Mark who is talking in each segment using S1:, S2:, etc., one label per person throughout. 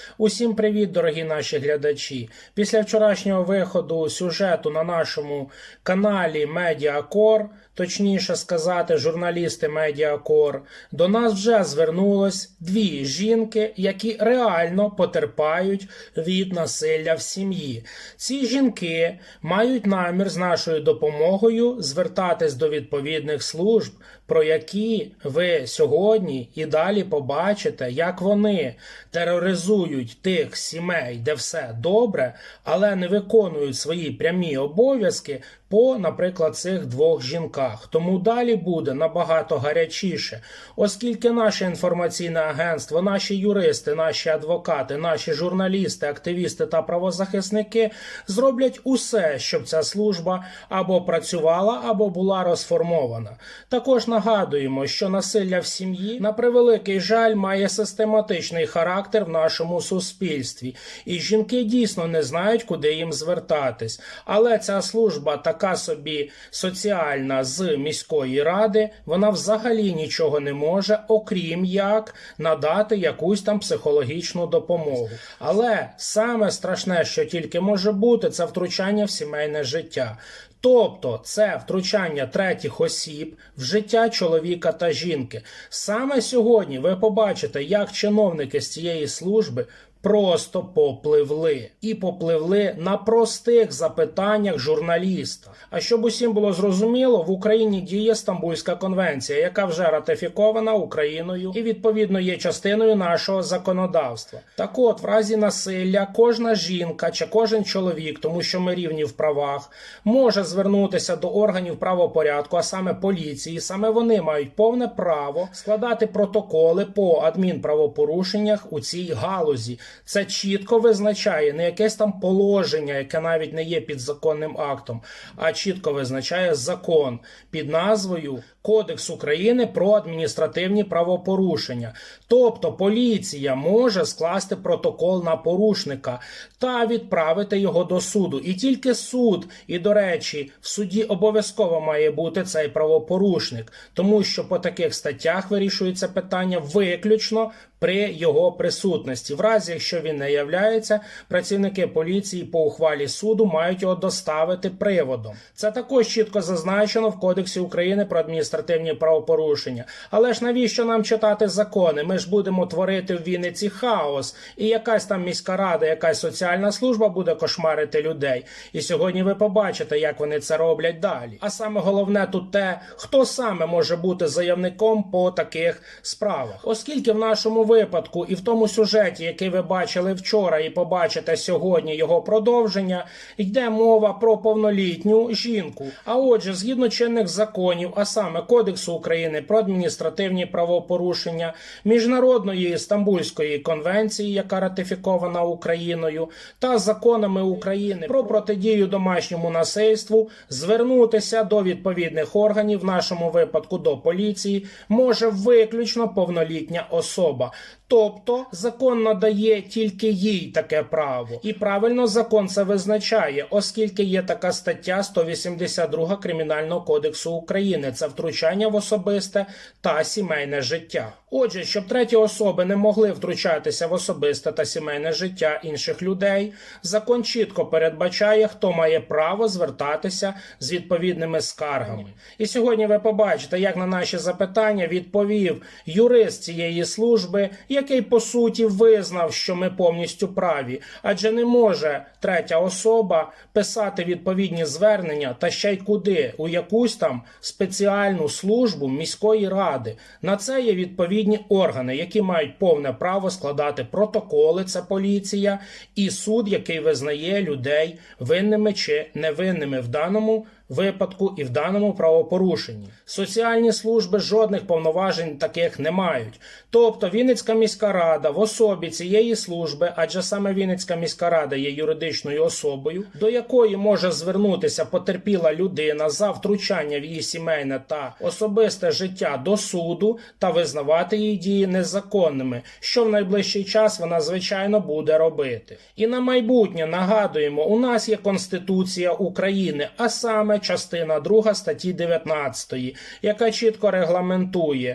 S1: Усім привіт, дорогі наші глядачі! Після вчорашнього виходу сюжету на нашому каналі Медіакор, точніше сказати, журналісти Медіакор, до нас вже звернулось дві жінки, які реально потерпають від насилля в сім'ї. Ці жінки мають намір з нашою допомогою звертатись до відповідних служб, про які ви сьогодні і далі побачите, як вони тероризують тих сімей, де все добре, але не виконують свої прямі обов'язки по, наприклад, цих двох жінках. Тому далі буде набагато гарячіше, оскільки наше інформаційне агентство, наші юристи, наші адвокати, наші журналісти, активісти та правозахисники зроблять усе, щоб ця служба або працювала, або була розформована. Також нагадуємо, що насилля в сім'ї, на превеликий жаль, має систематичний характер в нашому суспільстві. І жінки дійсно не знають, куди їм звертатись. Але ця служба така собі соціальна з міської ради, вона взагалі нічого не може, окрім як надати якусь там психологічну допомогу. Але саме страшне, що тільки може бути, це втручання в сімейне життя. Тобто це втручання третіх осіб в життя чоловіка та жінки. Саме сьогодні ви побачите, як чиновники з цієї служби просто попливли. І попливли на простих запитаннях журналіста. А щоб усім було зрозуміло, в Україні діє Стамбульська конвенція, яка вже ратифікована Україною і відповідно є частиною нашого законодавства. Так от, в разі насилля кожна жінка чи кожен чоловік, тому що ми рівні в правах, може звернутися до органів правопорядку, а саме поліції. Саме вони мають повне право складати протоколи по адмінправопорушеннях у цій галузі. Це чітко визначає не якесь там положення, яке навіть не є підзаконним актом, а чітко визначає закон під назвою Кодекс України про адміністративні правопорушення. Тобто поліція може скласти протокол на порушника та відправити його до суду. І тільки суд, і до речі, в суді обов'язково має бути цей правопорушник, тому що по таких статтях вирішується питання виключно при його присутності. В разі, якщо він не являється, працівники поліції по ухвалі суду мають його доставити приводом. Це також чітко зазначено в Кодексі України про адміністративні правопорушення. Але ж навіщо нам читати закони? Ми ж будемо творити в Вінниці хаос. І якась там міська рада, якась соціальна служба буде кошмарити людей. І сьогодні ви побачите, як вони це роблять далі. А саме головне тут те, хто саме може бути заявником по таких справах. Оскільки в нашому випадку і в тому сюжеті, який ви бачили вчора і побачите сьогодні його продовження, йде мова про повнолітню жінку. А отже, згідно чинних законів, а саме Кодексу України про адміністративні правопорушення, Міжнародної Стамбульської конвенції, яка ратифікована Україною, та законами України про протидію домашньому насильству, звернутися до відповідних органів, в нашому випадку до поліції, може виключно повнолітня особа. Тобто закон надає тільки їй таке право. І правильно закон це визначає, оскільки є така стаття 182 Кримінального кодексу України. Це втручання в особисте та сімейне життя. Отже, щоб треті особи не могли втручатися в особисте та сімейне життя інших людей, закон чітко передбачає, хто має право звертатися з відповідними скаргами. І сьогодні ви побачите, як на наші запитання відповів юрист цієї служби, який по суті визнав, що ми повністю праві, адже не може третя особа писати відповідні звернення та ще й куди, у якусь там спеціальну службу міської ради. На це є відповідні органи, які мають повне право складати протоколи, це поліція, і суд, який визнає людей винними чи невинними в даному випадку і в даному правопорушенні. Соціальні служби жодних повноважень таких не мають. Тобто Вінницька міська рада в особі цієї служби, адже саме Вінницька міська рада є юридичною особою, до якої може звернутися потерпіла людина за втручання в її сімейне та особисте життя до суду та визнавати її дії незаконними, що в найближчий час вона, звичайно, буде робити. І на майбутнє нагадуємо, у нас є Конституція України, а саме частина 2 статті 19, яка чітко регламентує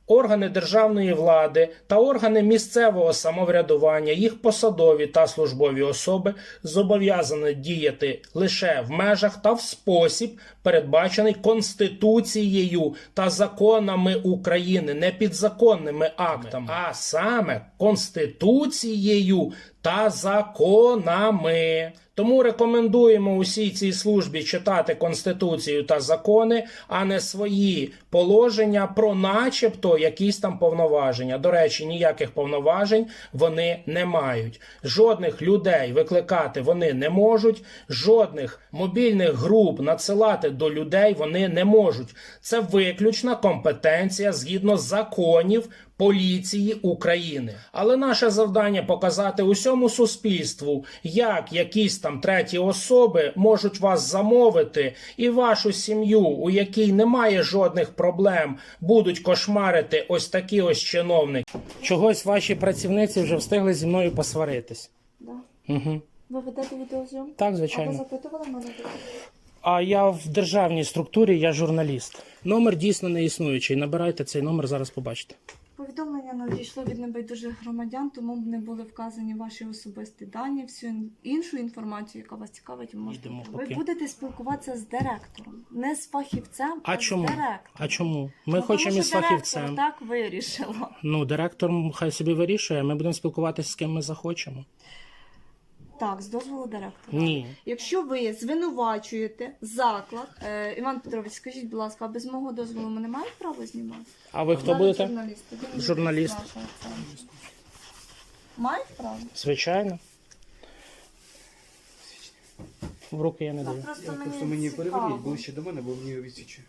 S1: органи державної влади та органи місцевого самоврядування, їх посадові та службові особи зобов'язані діяти лише в межах та в спосіб, передбачений Конституцією та законами України, не підзаконними актами, а саме Конституцією та законами. Тому рекомендуємо усій цій службі читати Конституцію та закони, а не свої положення про начебто якісь там повноваження. До речі, ніяких повноважень вони не мають. Жодних людей викликати вони не можуть, жодних мобільних груп надсилати до людей вони не можуть. Це виключна компетенція згідно законів поліції України. Але наше завдання показати усьому суспільству, як якісь там треті особи можуть вас замовити і вашу сім'ю, у якій немає жодних проблем, будуть кошмарити ось такі ось чиновники. Чогось ваші працівниці вже встигли зі мною посваритись.
S2: Да.
S1: Угу.
S2: Ви ведете відеозйомку?
S1: Так,
S2: А ви
S1: звичайно.
S2: запитували мене?
S1: А я в державній структурі, я журналіст. Номер дійсно не існуючий. Набирайте цей номер, зараз побачите.
S2: Повідомлення надійшло від небайдужих громадян, тому не були вказані ваші особисті дані. Всю іншу інформацію, яка вас цікавить, ви можете.
S1: Йдемо
S2: Ви
S1: поки.
S2: будете спілкуватися з директором, не з фахівцем,
S1: А чому?
S2: з директором.
S1: А чому? Ми
S2: Ну,
S1: хочемо
S2: тому
S1: із
S2: що директор
S1: фахівцем.
S2: так вирішило.
S1: Ну, директор хай собі вирішує, ми будемо спілкуватися з ким ми захочемо.
S2: Так, з дозволу директора.
S1: Ні.
S2: Якщо ви звинувачуєте заклад, Іван Петрович, скажіть, будь ласка, а без мого дозволу ми не маємо права знімати?
S1: А ви хто
S2: Зараз
S1: будете?
S2: журналіст. Він
S1: Журналіст.
S2: нашого центру. Мають право?
S1: Звичайно. В руки я не
S2: Так,
S1: даю.
S2: просто
S3: Мені
S2: цікаво.
S3: переверніть ближче до мене, бо мені відсічує.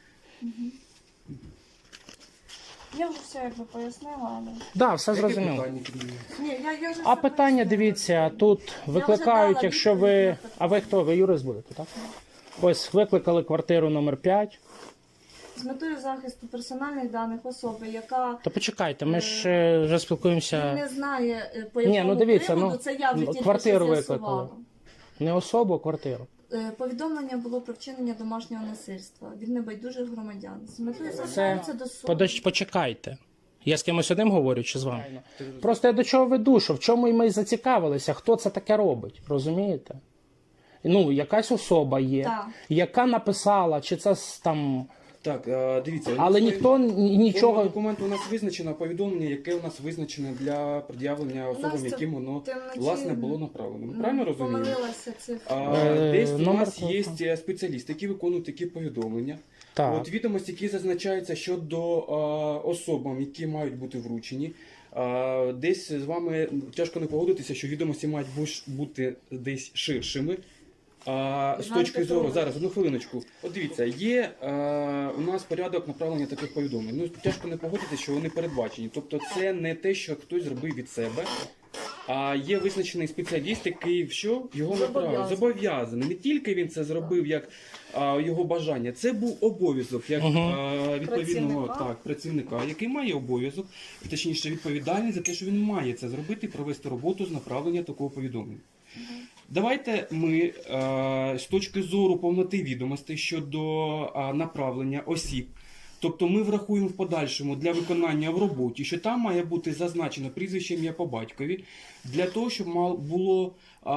S2: Я вже все якби пояснила, але...
S1: Да, все
S3: Яке
S1: зрозуміло.
S3: питання піднімає?
S2: Ні, я вже
S1: А
S2: все
S1: питання,
S2: пояснила.
S1: дивіться, тут викликають,
S2: дала
S1: якщо
S2: відповідь
S1: ви...
S2: на питання.
S1: А ви хто? Ви юрист будете, так? Ось викликали квартиру номер 5.
S2: З метою захисту персональних даних особи, яка
S1: То почекайте, ми ж вже спілкуємося.
S2: не знає, по
S1: Ні,
S2: якому
S1: ну дивіться,
S2: приводу,
S1: ну,
S2: це я вже тільки
S1: квартиру
S2: що
S1: викликали.
S2: з'ясувала.
S1: Не особу, а квартиру.
S2: Повідомлення було про вчинення домашнього насильства від небайдужих громадян. З метою
S1: Це
S2: звертаються до суду.
S1: почекайте. Я з кимось одним говорю чи з вами? Просто я до чого веду, що в чому і ми зацікавилися, хто це таке робить, розумієте? Ну, якась особа є,
S2: Так.
S1: яка написала, чи це там...
S3: Так, дивіться.
S1: Але ніхто нічого...
S3: Форма документу у нас визначена, повідомлення, яке у нас визначене для пред'явлення особам,
S2: Настя,
S3: яким воно,
S2: ти вночі,
S3: власне, було направлено. Ми правильно розуміємо?
S2: Помилилася цифра.
S3: Десь у
S1: номер
S3: нас
S1: телефону.
S3: є спеціалісти, які виконують такі повідомлення.
S1: Так.
S3: От відомості, які зазначаються щодо особам, які мають бути вручені. Десь з вами тяжко не погодитися, що відомості мають бути десь ширшими. З точки зору, зараз, одну хвилиночку. От дивіться, є у нас порядок направлення таких повідомлень. Ну, тяжко не погодитися, що вони передбачені. Тобто це не те, що хтось зробив від себе, а є визначений спеціаліст, який що? Його направив. Зобов'язаний. Не тільки він це зробив як його бажання, це був обов'язок як відповідного працівника, який має обов'язок, точніше відповідальність за те, що він має це зробити, провести роботу з направлення такого повідомлення. Давайте ми з точки зору повноти відомостей щодо направлення осіб, тобто ми врахуємо в подальшому для виконання в роботі, що там має бути зазначено прізвище, ім'я по батькові, для того, щоб було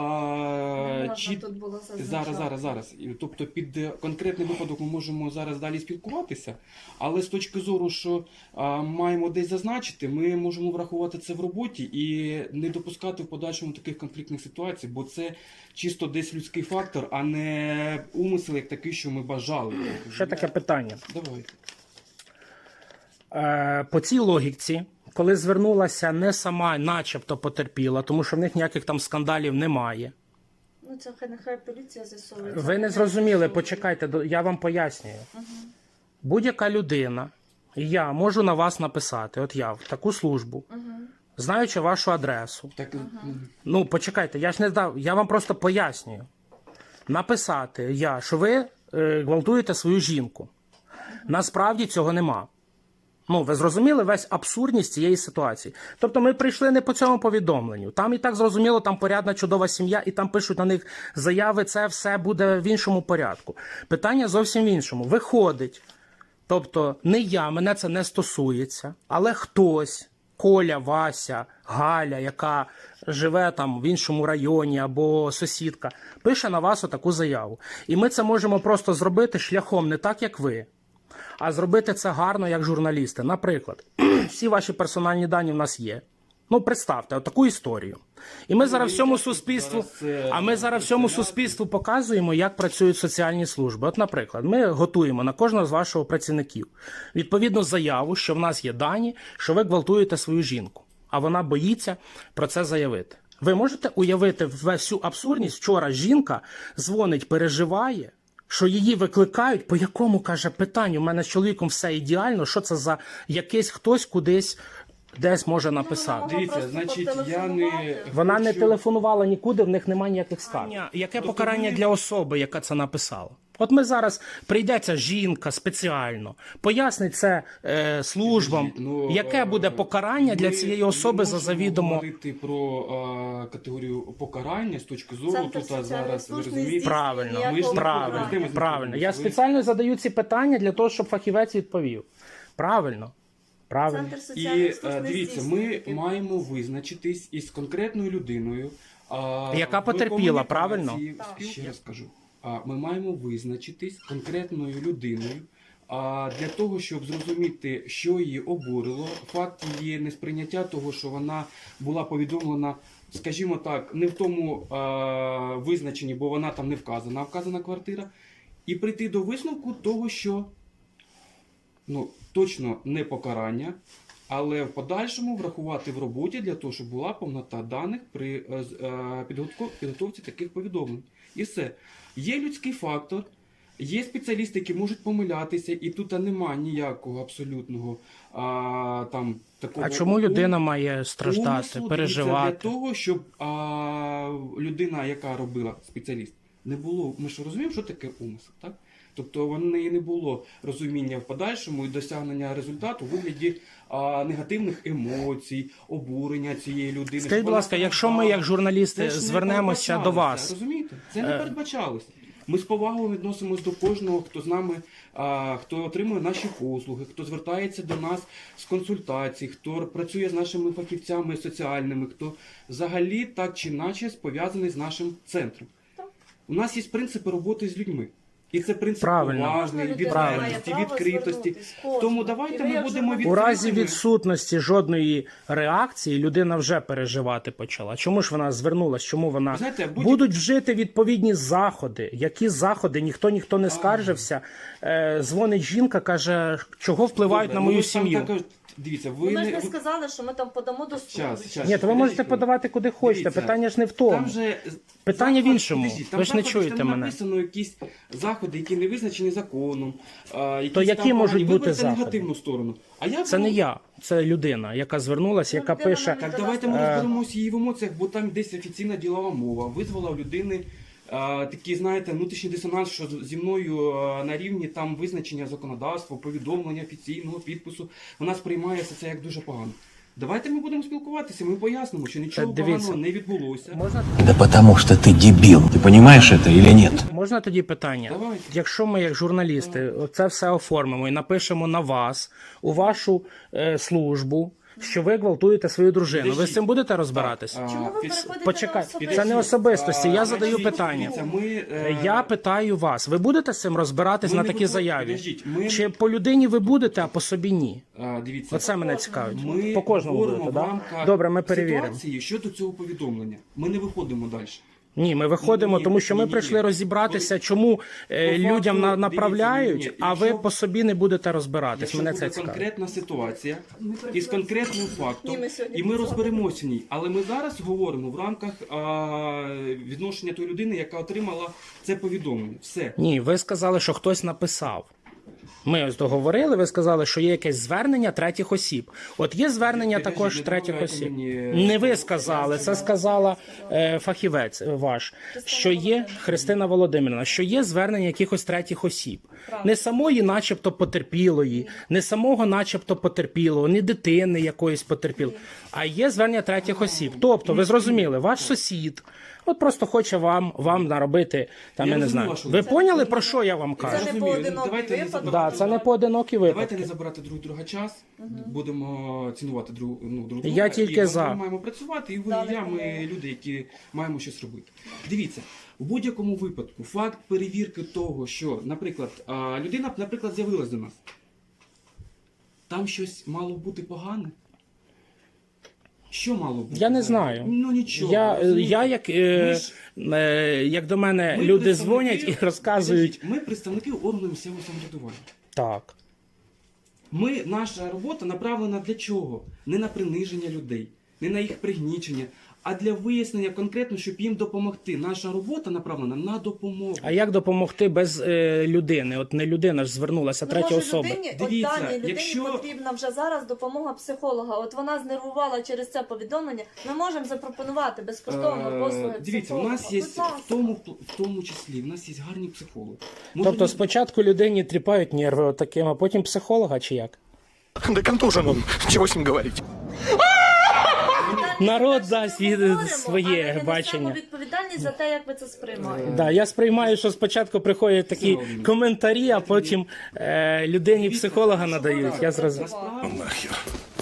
S2: Тут було зазначено.
S3: зараз. Тобто під конкретний випадок ми можемо зараз далі спілкуватися, але з точки зору, що маємо десь зазначити, ми можемо врахувати це в роботі і не допускати в подальшому таких конфліктних ситуацій, бо це чисто десь людський фактор, а не умисел як такий, що ми бажали.
S1: Ще таке питання.
S3: Давайте.
S1: По цій логіці, коли звернулася не сама начебто потерпіла, тому що в них ніяких там скандалів немає.
S2: Ну, це нехай поліція з'ясовує.
S1: Ви не зрозуміли, почекайте, я вам пояснюю. Будь-яка людина, я можу на вас написати, от я в таку службу, знаючи вашу адресу.
S3: Так,
S1: Ну, почекайте, я ж не дав, я вам просто пояснюю. Написати що ви гвалтуєте свою жінку. Насправді цього нема. Ну, ви зрозуміли весь абсурдність цієї ситуації. Тобто ми прийшли не по цьому повідомленню. Там і так зрозуміло, там порядна чудова сім'я, і там пишуть на них заяви, це все буде в іншому порядку. Питання зовсім в іншому. Виходить, Тобто не я, мене це не стосується, але хтось, Коля, Вася, Галя, яка живе там в іншому районі або сусідка, пише на вас отаку заяву. І ми це можемо просто зробити шляхом не так, як ви, а зробити це гарно, як журналісти. Наприклад, всі ваші персональні дані в нас є. Ну, представте, таку історію. І ми зараз всьому суспільству, показуємо, як працюють соціальні служби. От, наприклад, ми готуємо на кожного з ваших працівників відповідну заяву, що в нас є дані, що ви гвалтуєте свою жінку, а вона боїться про це заявити. Ви можете уявити всю абсурдність? Вчора жінка дзвонить, переживає, що її викликають, по якому, каже, питанню, у мене з чоловіком все ідеально, що це за якийсь хтось кудись десь може написати.
S3: Дивіться, значить, я не...
S1: Вона не
S3: хочу-
S1: телефонувала нікуди, в них немає ніяких скарг. Яке покарання для особи, яка це написала? От ми зараз, прийдеться жінка спеціально, пояснить це службам,
S3: Ну,
S1: яке буде покарання для
S3: ми
S1: цієї особи за
S3: можемо
S1: завідомо...
S3: говорити про категорію покарання з точки зору,
S2: Центр
S3: тут
S2: соціальної
S3: зараз, ви
S2: служби
S3: розумієте,
S1: Правильно,
S2: здійснює
S3: ми ж не
S1: правильно,
S3: говоримо.
S1: правильно. Я
S3: Ви-
S1: спеціально задаю ці питання для того, щоб фахівець відповів. Правильно, правильно.
S2: Центр
S3: І
S2: соціальної служби
S3: дивіться,
S2: здійснює
S3: ми
S2: такі.
S3: маємо визначитись із конкретною людиною,
S1: Яка
S3: в
S1: потерпіла,
S3: комунікації.
S1: правильно?
S3: Ще раз кажу. Ми маємо визначитись конкретною людиною для того, щоб зрозуміти, що її обурило, факт її несприйняття того, що вона була повідомлена, скажімо так, не в тому визначенні, бо вона там не вказана, а вказана квартира, і прийти до висновку того, що точно не покарання, але в подальшому врахувати в роботі для того, щоб була повнота даних при підготовці таких повідомлень. І все. Є людський фактор, є спеціалісти, які можуть помилятися, і тут нема ніякого абсолютного такого...
S1: А чому людина має страждати,
S3: умислу,
S1: переживати?
S3: Для того, щоб людина, яка робила спеціаліст, не було... Ми ж розуміємо, що таке умисел, так? Тобто в неї не було розуміння в подальшому і досягнення результату у вигляді негативних емоцій, обурення цієї людини.
S1: Скажіть, будь ласка, якщо ми, як журналісти, звернемося до вас...
S3: Розумієте? Це не передбачалося. Ми з повагою відносимось до кожного, хто з нами, хто отримує наші послуги, хто звертається до нас з консультацій, хто працює з нашими фахівцями соціальними, хто взагалі так чи інакше пов'язаний з нашим центром. У нас є принципи роботи з людьми. І це принцип
S1: Правильно.
S3: поважної,
S2: Кожна людина має
S3: відвертості,
S2: право
S3: відкритості.
S2: звернутись, кожна.
S3: Тому давайте
S2: І ви,
S3: ми
S2: як
S3: будемо
S2: журналіст,
S1: У разі
S3: відкритими.
S1: відсутності жодної реакції людина вже переживати почала. Чому ж вона звернулась? Чому вона...
S3: Ви знаєте,
S1: Будуть вжити відповідні заходи. Які заходи? Ніхто не скаржився. Дзвонить жінка, каже, чого впливають
S3: Добре,
S1: на мою
S3: ви ж там
S1: сім'ю.
S3: також- Дивіться, ви
S2: Ми ж
S3: не...
S2: не сказали, що ми там подамо до суду.
S3: Щас.
S1: Ні, то ви можете подавати куди хочете.
S3: Дивіться,
S1: Питання ж не в тому.
S3: Там же
S1: Питання в
S3: заходи-
S1: іншому.
S3: Подождіть, там
S1: Ви ж не
S3: заходи,
S1: чуєте
S3: там
S1: мене.
S3: написано якісь заходи, які не визначені законом.
S1: То які можуть бути заходи?
S3: негативну сторону. А я
S1: Це не я, це людина, яка звернулася, яка
S2: людина
S1: пише...
S2: нам
S3: Так давайте ми
S1: Е.
S3: розберемося її в емоціях, бо там десь офіційна ділова мова. Визвала в людини такий, знаєте, внутрішній дисонанс, що зі мною на рівні там визначення законодавства, повідомлення офіційного підпису. Вона сприймає це як дуже погано. Давайте ми будемо спілкуватися, ми пояснимо, що нічого
S1: дивіться.
S3: поганого не відбулося.
S1: Можна,
S4: Да потому что ты дебил. Ты понимаешь это или нет?
S1: можна тоді питання?
S3: Давайте.
S1: Якщо ми, як журналісти, це все оформимо і напишемо на вас, у вашу службу, що ви гвалтуєте свою дружину, ви з цим будете розбиратися?
S2: Чому ви
S3: Під-
S2: переходите
S1: Почекай,
S2: на особисті?
S1: це не особистості, я задаю
S3: Значить,
S1: питання.
S3: дивіться, ми,
S1: Я питаю вас, ви будете з цим розбиратись
S3: Ми
S1: на
S3: не
S1: такій
S3: готові.
S1: заяві?
S3: Підождіть, ми-
S1: Чи по людині ви будете, а по собі ні?
S3: Дивіться.
S1: Оце мене цікавить.
S3: Ми
S1: По кожному
S3: говоримо
S1: будете,
S3: в
S1: так?
S3: рамках
S1: Добре, ми перевіримо.
S3: ситуації щодо цього повідомлення. Ми не виходимо далі.
S1: Ні, ми виходимо,
S3: Ні,
S1: тому що ми
S3: ні,
S1: прийшли
S3: ні.
S1: розібратися, чому
S3: По
S1: людям
S3: факту,
S1: направляють,
S3: дивіться, ні,
S1: а ви
S3: якщо-
S1: по собі не будете розбиратись.
S3: Якщо
S1: Мене
S3: буде
S1: це цікавить.
S3: конкретна ситуація із конкретним фактом,
S2: Ні, ми сьогодні
S3: і ми
S2: працювали.
S3: розберемося в ній. Але ми зараз говоримо в рамках відношення тої людини, яка отримала це повідомлення. Все.
S1: Ні, ви сказали, що хтось написав. Ми ось договорили, ви сказали, що є якесь звернення третіх осіб. От є звернення
S3: Підождіть,
S1: також
S3: не
S1: третіх
S3: добавляйте
S1: осіб.
S3: мені-
S1: Не ви сказали, це сказала фахівець ваш, що є Христина Володимирівна, що є звернення якихось третіх осіб. Не самої начебто потерпілої, не самого начебто потерпілого, не дитини якоїсь потерпілої, а є звернення третіх осіб. Тобто, ви зрозуміли, ваш сусід, От просто хоче вам наробити, там,
S3: Я
S1: я не
S3: розумію
S1: знаю.
S3: вашу
S1: Ви
S3: логіку.
S1: поняли, про що я вам
S2: Це
S1: кажу?
S2: не
S3: Розумію.
S2: поодинокий
S3: Давайте не
S2: випадок.
S1: Да, це не поодинокі
S3: Давайте
S1: випадки.
S3: не забирати друг друга час, будемо цінувати друг друга.
S1: Я тільки
S3: і
S1: за.
S3: Ми маємо працювати, і ви,
S2: Да,
S3: і я, ми
S2: допомогу.
S3: люди, які маємо щось робити. Дивіться, у будь-якому випадку факт перевірки того, що, наприклад, людина, наприклад, з'явилась до нас. Там щось мало бути погане? Що мало бути?
S1: Я не знаю.
S3: Ну нічого.
S1: Я
S3: розумієте?
S1: як до мене
S3: Ми
S1: люди
S3: представники-
S1: дзвонять і розказують.
S3: Ми представники органу місцевого самоврядування.
S1: Так.
S3: Наша робота направлена для чого? Не на приниження людей, не на їх пригнічення, а для вияснення конкретно, щоб їм допомогти. Наша робота направлена на допомогу.
S1: А як допомогти без людини? От не людина ж звернулася, третя
S2: може,
S1: особа.
S2: Людині,
S3: Дивіться,
S2: от даній людині
S3: якщо-
S2: потрібна вже зараз допомога психолога. От вона знервувала через це повідомлення. Ми можемо запропонувати безкоштовно послуги
S3: Дивіться, у
S2: психолога.
S3: нас є
S2: Будь ласка.
S3: в тому числі, в нас є гарні психологи. Може,
S1: Тобто спочатку людині тріпають нерви таким, а потім психолога чи як?
S5: Да контужен он, чего с ним говорить?
S1: Народ
S2: Ми
S1: дасть
S2: говоримо,
S1: своє
S2: але ми несемо
S1: бачення.
S2: відповідальність за те, як ви це сприймаєте.
S1: Да, я сприймаю, що спочатку приходять такі
S3: Володимир.
S1: коментарі, а потім людині психолога надають. Я зрозумів.
S3: насправді,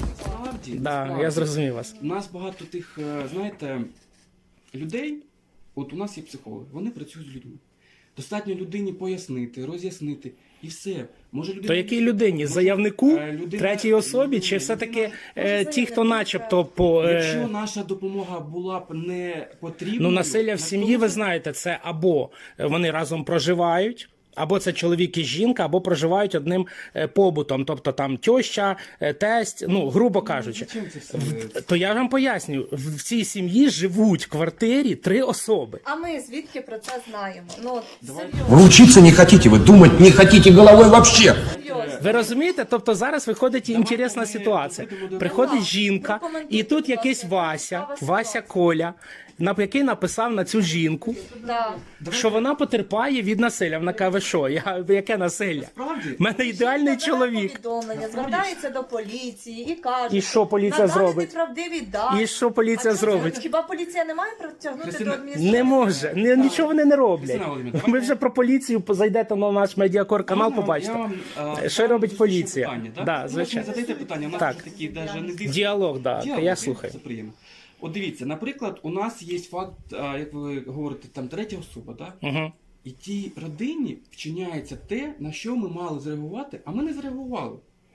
S1: Да, я зрозумів вас.
S3: У нас багато тих, знаєте, людей, от у нас є психологи, вони працюють з людьми. Достатньо людині пояснити, роз'яснити і все. Може людина...
S1: То якій людині? Заявнику,
S3: людина-
S1: третій особі, чи
S3: людина-
S1: все-таки
S2: людина-
S1: ті, хто начебто по...
S3: Якщо наша допомога була б не потрібною...
S1: Ну, насилля в сім'ї, ви знаєте, це або вони разом проживають, або це чоловік і жінка, або проживають одним побутом, тобто там тьоща, тесть, ну, грубо кажучи.
S3: Зачем це все?
S1: То я вам поясню, в цій сім'ї живуть в квартирі 3 особи.
S2: А ми звідки про це знаємо? Ну, от,
S3: Давайте.
S2: серйозно.
S4: Вы учиться не хотите, вы думать не хотите головой вообще.
S2: серйозно.
S1: Ви розумієте? Тобто зараз виходить інтересна ситуація. Приходить жінка, і тут якийсь Вася Коля, який написав на цю жінку,
S2: Да.
S1: що вона потерпає від насилля. Вона каже, ви що, яке насилля?
S3: Справді?
S1: У мене ідеальний
S2: Жінка бере
S1: чоловік.
S2: повідомлення, звертається до поліції і каже,
S1: І що поліція
S2: надати
S1: зробить?
S2: неправдиві дані.
S1: І що поліція
S2: А чого це?
S1: зробить?
S2: Хіба поліція не має притягнути
S3: Христина,
S2: до адміністрації?
S1: Не може, нічого вони не роблять.
S3: Христина Володимирівна,
S1: Ви
S3: давайте-
S1: вже про поліцію зайдете на наш медіакор канал, побачите. Що робить поліція?
S3: Питання, так?
S1: Да,
S3: Ви
S1: звичайно.
S3: не задаєте питання, у нас
S1: Так.
S3: вже такі даже не дійсно.
S1: Діалог, да,
S3: Діалог,
S1: я слухаю.
S3: Це приємно. От дивіться, наприклад, у нас є факт, як ви говорите, там третя особа, так?
S1: Угу.
S3: І тій родині вчиняється те, на що ми мали зреагувати, а ми не зреагували.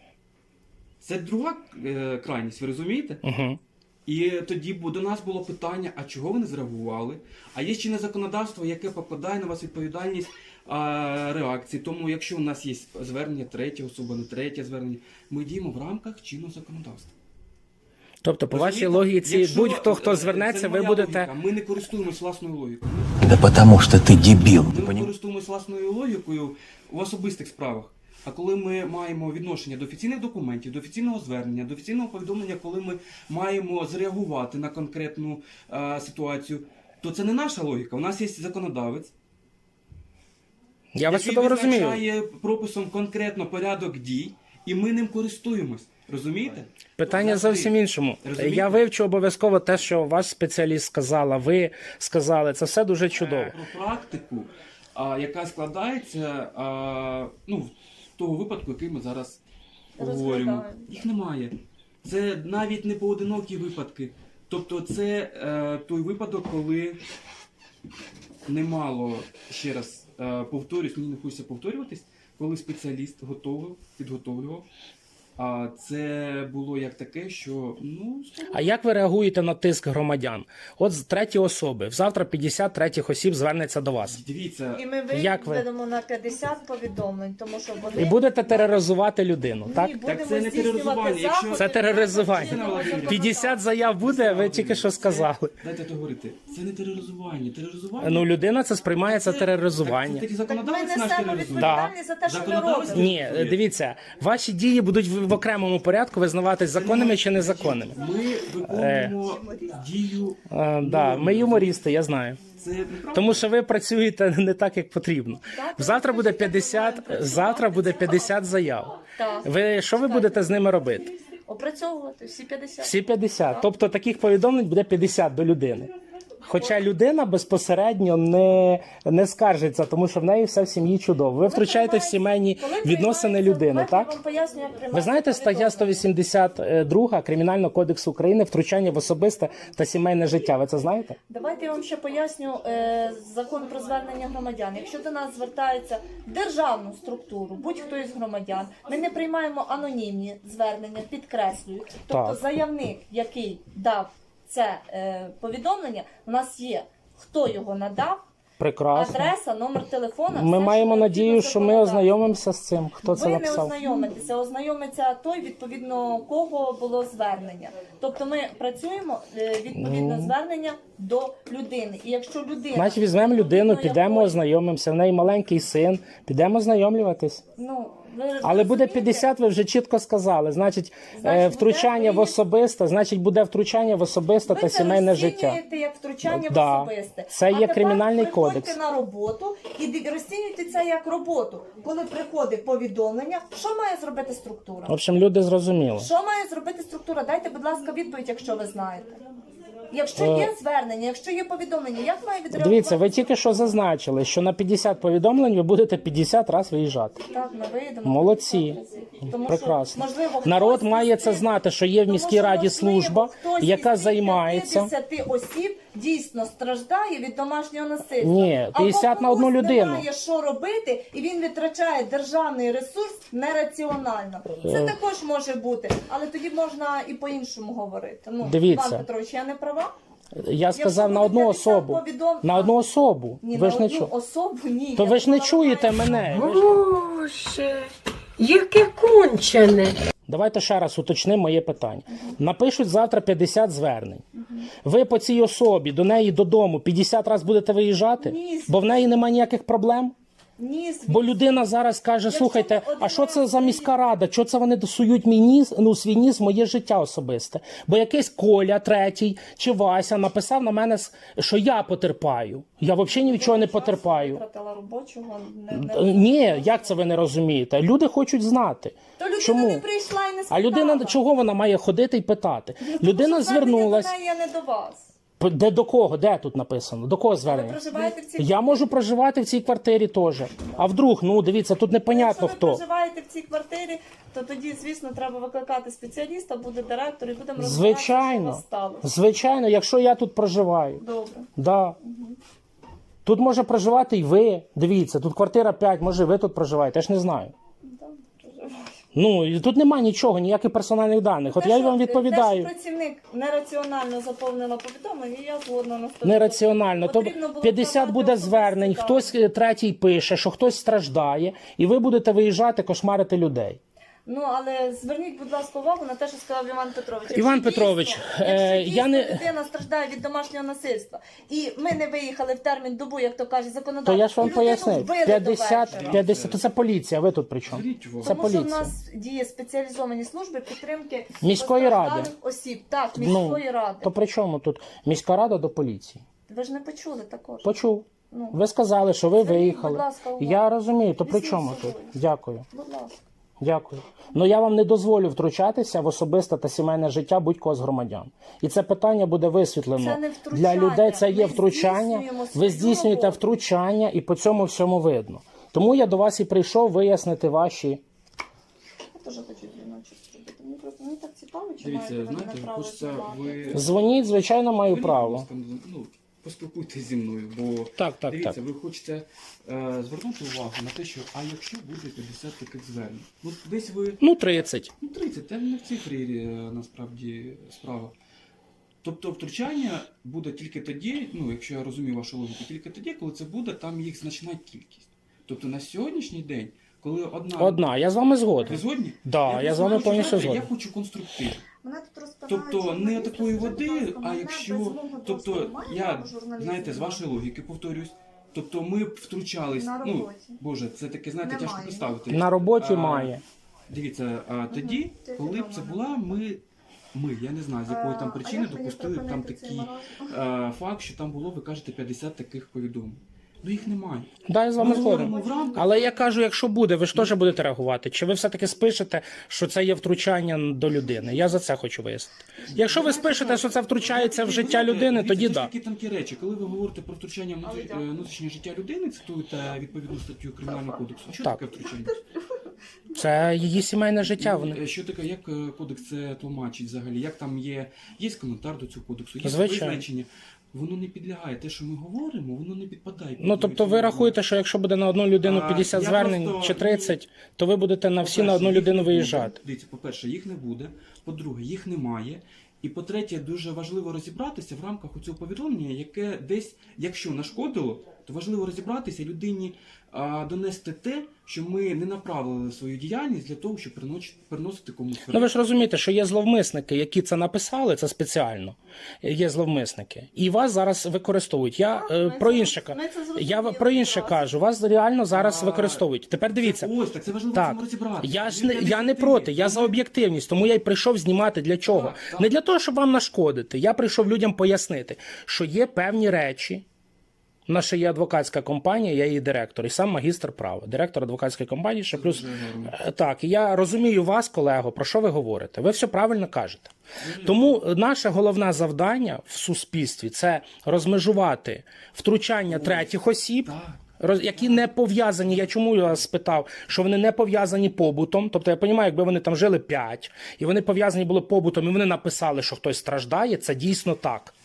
S3: Це друга крайність, ви розумієте?
S1: Угу.
S3: І тоді до нас було питання, а чого ви не зреагували? А є чинне законодавство, яке покладає на вас відповідальність реакції. Тому якщо у нас є звернення третя особа, не третє звернення, ми діємо в рамках чинного законодавства.
S1: Тобто, по вашій
S3: Розумієте?
S1: логіці,
S3: Якщо,
S1: будь-хто, хто
S3: це
S1: звернеться,
S3: моя
S1: ви будете...
S3: логіка, ми не користуємось власною логікою.
S4: Да потому что ты дебил, ты
S3: Ми
S4: понимаешь?
S3: користуємось власною логікою в особистих справах. А коли ми маємо відношення до офіційних документів, до офіційного звернення, до офіційного повідомлення, коли ми маємо зреагувати на конкретну ситуацію, то це не наша логіка. У нас є законодавець,
S1: Я вас
S3: який
S1: чудово розумію.
S3: визначає прописом конкретно порядок дій, і ми ним користуємось. Розумієте?
S1: Питання зовсім іншому.
S3: Розумієте?
S1: Я вивчу обов'язково те, що ваш спеціаліст сказала, ви сказали. Це все дуже чудово.
S3: Про практику, яка складається ну, в того випадку, який ми зараз говоримо.
S2: Розглядаємо.
S3: Їх немає. Це навіть не поодинокі випадки. Тобто це той випадок, коли немало, ще раз повторюсь, мені не хочеться повторюватись, коли спеціаліст підготовлював. А це було як таке, що ну
S1: А як ви реагуєте на тиск громадян? От з треті особи. Завтра 50 третіх осіб звернеться до вас.
S3: дивіться,
S2: І ми
S1: Як ви?
S2: виведемо на 50 повідомлень, тому що вони...
S1: І будете тероризувати людину,
S2: Ні,
S1: так?
S2: будемо
S3: Так це не
S2: здійснювати
S3: тероризування. Якщо-
S2: заходи
S1: Це тероризування.
S2: чинного законодавства.
S1: 50 заяв буде, ви тільки що сказали.
S3: дайте договорити. Це не тероризування. Тероризування.
S1: Ну, людина це сприймає це
S3: Це
S1: тероризування.
S3: тоді
S2: Так ми
S3: законодавець наш
S2: несемо
S3: тероризує.
S2: відповідальність за те, що ми
S3: Законодавець
S2: робимо.
S1: Ні, дивіться, ваші дії будуть в окремому порядку визнаватись законними чи незаконними.
S3: Ми виконуємо дію.
S1: Да, ми юмористи, я знаю.
S3: Це неправда.
S1: Тому що ви працюєте не так, як потрібно. Завтра буде 50 заяв.
S2: Так.
S1: Що ви будете з ними робити?
S2: Опрацьовувати всі 50.
S1: Всі 50. Тобто таких повідомлень буде 50 до людини. Хоча людина безпосередньо не скаржиться, тому що в неї все в сім'ї чудово. Ви втручаєтесь в сімейні відносини людини,
S2: Я
S1: так?
S2: вам поясню, як
S1: Ви
S2: приймається
S1: знаєте, стаття
S2: повідомлення.
S1: 182 Кримінального кодексу України втручання в особисте та сімейне життя. Ви це знаєте?
S2: Давайте я вам ще поясню закон про звернення громадян. Якщо до нас звертаються в державну структуру, будь-хто із громадян, ми не приймаємо анонімні звернення, підкреслюю. Тобто
S1: Так.
S2: заявник, який дав це повідомлення, у нас є, хто його надав,
S1: Прекрасно.
S2: адреса, номер телефона.
S1: Ми
S2: все,
S1: маємо
S2: що
S1: надію,
S2: необхідно
S1: що ми
S2: законодавству.
S1: ознайомимося з цим. Хто це
S2: Ви не
S1: написав?
S2: ознайомитеся, ознайомиться той, відповідно кого було звернення. Тобто ми працюємо відповідно звернення до людини. І якщо людина...
S1: Значить, візьмемо людину,
S2: відповідно
S1: підемо,
S2: якої-
S1: ознайомимося. В неї маленький син, підемо ознайомлюватись.
S2: Ну, ви
S1: Але буде
S2: розумієте?
S1: 50, ви вже чітко сказали. Значить,
S2: Значить,
S1: втручання в
S2: буде
S1: особисте, значить, буде втручання в особисте
S2: Ви
S1: та
S2: це
S1: сімейне життя.
S2: розцінюєте як втручання
S1: Да.
S2: в особисте.
S1: Це
S2: А
S1: є
S2: тепер
S1: Кримінальний
S2: приходьте
S1: кодекс.
S2: на роботу і розцінюйте це як роботу. Коли приходить повідомлення, що має зробити структура?
S1: В общем, люди зрозуміли.
S2: Що має зробити структура? Дайте, будь ласка, відповідь, якщо ви знаєте. Якщо є звернення, якщо є повідомлення, як має відреагувати?
S1: Дивіться, ви тільки що зазначили, що на 50 повідомлень ви будете 50 разів виїжджати.
S2: Так, ми виїдемо.
S1: Молодці.
S2: Тому
S1: Прекрасно.
S2: Що, можливо,
S1: Народ
S2: хтось
S1: має
S2: із
S1: це
S2: цих-
S1: знати, що є в
S2: тому
S1: міській
S2: що,
S1: раді
S2: можливо,
S1: служба,
S2: хтось
S1: яка
S2: із цих
S1: займається.
S2: 50 осіб дійсно страждає від домашнього насильства.
S1: Ні, 50 на одну
S2: комусь
S1: людину.
S2: Немає що робити, і він витрачає державний ресурс нераціонально. Це також може бути, але тоді можна і по-іншому говорити. Ну,
S1: Дивіться.
S2: Іван Петрович, я не права?
S1: Я сказав на
S2: буде
S1: одну
S2: 50
S1: особу. На одну особу.
S2: Ні,
S1: Ви
S2: на
S1: ж не
S2: одну
S1: чу.
S2: особу ні.
S1: То ви ж не
S2: Якщо
S1: чуєте
S2: вона має-
S1: мене.
S6: Боже, яке кончене.
S1: Давайте ще раз уточнимо моє питання. Напишуть завтра 50 звернень. Ви по цій особі до неї додому 50 разів будете виїжджати,
S2: Ні.
S1: бо в неї немає ніяких проблем.
S2: Ні,
S1: Бо людина зараз каже: слухайте,
S2: ми
S1: а що це
S2: один
S1: за
S2: раз
S1: міська рада? Що це вони досують мій ніс, свій ніс в моє життя особисте? Бо якийсь Коля, третій чи Вася написав на мене, що я потерпаю. Я взагалі ні від чого не потерпаю.
S2: витратила робочого. Не...
S1: Ні, як це ви не розумієте? Люди хочуть знати.
S2: То людина
S1: Чому?
S2: не прийшла і не
S1: А
S2: спитала.
S1: людина чого вона має ходити і питати? Людина
S2: Тому що звернення
S1: звернулась.
S2: до неї, а не до вас.
S1: Де до кого? Де тут написано? До кого
S2: Ви
S1: звернення?
S2: проживаєте в цій
S1: Я можу проживати в цій квартирі теж. А вдруг, ну дивіться, тут непонятно
S2: Якщо
S1: хто.
S2: ви проживаєте в цій квартирі, то тоді, звісно, треба викликати спеціаліста, буде директор і будемо розбиратися, що у
S1: Звичайно,
S2: вас сталося.
S1: звичайно, якщо я тут проживаю.
S2: Добре.
S1: Да. Тут може проживати і ви. Дивіться, тут квартира 5, може ви тут проживаєте, я ж не знаю.
S2: Да, проживаю.
S1: Ну, і тут немає нічого, ніяких персональних даних. От
S2: Те,
S1: я
S2: що-
S1: вам відповідаю.
S2: Те, що працівник нераціонально заповнила повідомлення, я згодна на 100%.
S1: Нераціонально. То
S2: Потрібно було
S1: 50
S2: вкладати
S1: буде
S2: особисті
S1: звернень,
S2: дані.
S1: хтось третій пише, що хтось страждає, і ви будете виїжджати, кошмарити людей.
S2: Ну, але зверніть, будь ласка, увагу на те, що сказав Іван Петрович. Якщо
S1: Іван
S2: дійсно-
S1: Петрович,
S2: якщо
S1: я
S2: дійсно
S1: не-
S2: людина страждає від домашнього насильства, і ми не виїхали в термін добу, як то каже
S1: То
S2: законодавство,
S1: я ж вам
S2: і людину
S1: пояснив.
S2: вбили до
S1: 50,
S2: вечора.
S1: 50, то це поліція, ви тут при чому?
S3: Зверніть увагу.
S1: Це
S2: Тому що в
S1: поліція.
S2: нас діє спеціалізовані служби підтримки
S1: Міської ради.
S2: постраждалих осіб. Так, міської ради.
S1: То при чому тут міська рада до поліції?
S2: Ви ж не почули також.
S1: Почув.
S2: Ну.
S1: Ви сказали, що ви
S2: Зверніть,
S1: виїхали.
S2: будь ласка, увагу.
S1: Я розумію, то при
S2: Візьміть
S1: чому
S2: з собою.
S1: тут? Дякую.
S2: Будь ласка.
S1: Дякую. Ну я вам не дозволю втручатися в особисте та сімейне життя будь-кого з громадян. І це питання буде висвітлено.
S2: Це не втручання.
S1: Для людей це є
S2: Ми
S1: втручання.
S2: здійснюємо
S1: Ви
S2: свою
S1: здійснюєте
S2: роботу.
S1: втручання, і по цьому всьому видно. Тому я до вас і прийшов вияснити ваші.
S2: Я теж хочу дзвіночок зробити. Мені так цікаво, чи
S3: Дивіться,
S2: маєте ви
S3: знаєте,
S2: мене право
S3: хочеться
S2: знімати.
S3: ви...
S1: Дзвоніть, звичайно, маю
S3: Будь
S1: право.
S3: ласка, ну, поспілкуйтесь зі мною, бо
S1: Так,
S3: дивіться,
S1: так.
S3: ви хочете звернути увагу на те, що а якщо буде 50 таких звернень? Ну десь ви
S1: Ну, 30.
S3: ну 30, це не в цифрі насправді справа. Тобто втручання буде тільки тоді, ну якщо я розумію вашу логіку, тільки тоді, коли це буде там їх значна кількість. Тобто на сьогоднішній день, коли
S1: Одна, я з вами
S3: Ви
S1: згоден.
S3: згодні?
S1: Да, я з вами
S3: просто
S1: повністю
S3: хочу,
S1: згоден.
S3: Я хочу конструктив.
S2: Мене тут розпинають
S3: Тобто не
S2: журналісти,
S3: такої
S2: скажіть, будь
S3: води,
S2: ласка,
S3: а
S2: мене
S3: якщо,
S2: без мого
S3: тобто
S2: дозволу має
S3: я,
S2: право журналіст
S3: знаєте, з
S2: знімати?
S3: вашої логіки повторюсь, тобто ми б втручались,
S2: На
S3: ну,
S2: роботі.
S3: боже, це таке, знаєте,
S2: Немає.
S3: тяжко представити.
S1: На роботі
S3: А,
S1: має.
S3: Дивіться, а тоді,
S2: Це
S3: коли б це
S2: відомо.
S3: була, ми, я не знаю, з якої там
S2: А
S3: причини
S2: як мені
S3: допустили б там
S2: припинити цей
S3: такий
S2: маразм?
S3: факт, що там було, ви кажете, 50 таких повідомлень. Ну їх немає.
S1: Да, я з вами
S3: Ми
S1: згоден.
S3: говоримо в рамках.
S1: Але я кажу, якщо буде, ви ж теж будете реагувати. Чи ви все-таки спишете, що це є втручання до людини? Я за це хочу вияснити. Якщо ви спишете, що це втручається в життя людини, тоді
S3: да.
S1: да.
S3: Такі тонкі речі. Коли ви говорите про втручання внутрішнього життя людини, цитуєте відповідну статтю Кримінального кодексу. Що
S1: Так.
S3: таке втручання?
S1: Це її сімейне життя. Вони...
S3: Що таке, як кодекс це тлумачить взагалі? Як там є коментар до цього кодексу, є
S1: Звичайно.
S3: визначення. Воно не підлягає. Те, що ми говоримо, воно не підпадає. під
S1: Ну, тобто ви
S3: цього.
S1: рахуєте, що якщо буде на одну людину
S3: А,
S1: 50
S3: я
S1: звернень
S3: просто-
S1: чи 30, то ви будете на всі на
S3: По-перше,
S1: одну
S3: їх
S1: людину
S3: не буде.
S1: виїжджати.
S3: Дивіться, по-перше, їх не буде. По-друге, їх немає. І по-третє, дуже важливо розібратися в рамках цього повідомлення, яке десь, якщо нашкодило, то важливо розібратися людині донести те, що ми не направили свою діяльність для того, щоб приносити комусь
S1: Ну ви ж розумієте, що є зловмисники, які це написали, це спеціально. Є зловмисники. І вас зараз використовують. Я про інше кажу. Я про інше кажу. Вас реально зараз використовують. Тепер дивіться.
S3: Ось, так це важливо в
S1: Так,
S3: цьому розібратися.
S1: я не проти, я за об'єктивність, тому я й прийшов знімати для чого?
S3: Так.
S1: Не для того, щоб вам нашкодити. Я прийшов людям пояснити, що є певні речі. У нас ще є адвокатська компанія, я її директор, і сам магістр права, директор адвокатської компанії, ще плюс. Так, і я розумію вас, колего, про що ви говорите. Ви все правильно кажете. Тому наше головне завдання в суспільстві – це розмежувати втручання третіх осіб, які не пов'язані, я чому я вас спитав, що вони не пов'язані побутом, тобто я розумію, якби вони там жили 5, і вони пов'язані були побутом, і вони написали, що хтось страждає, це дійсно так.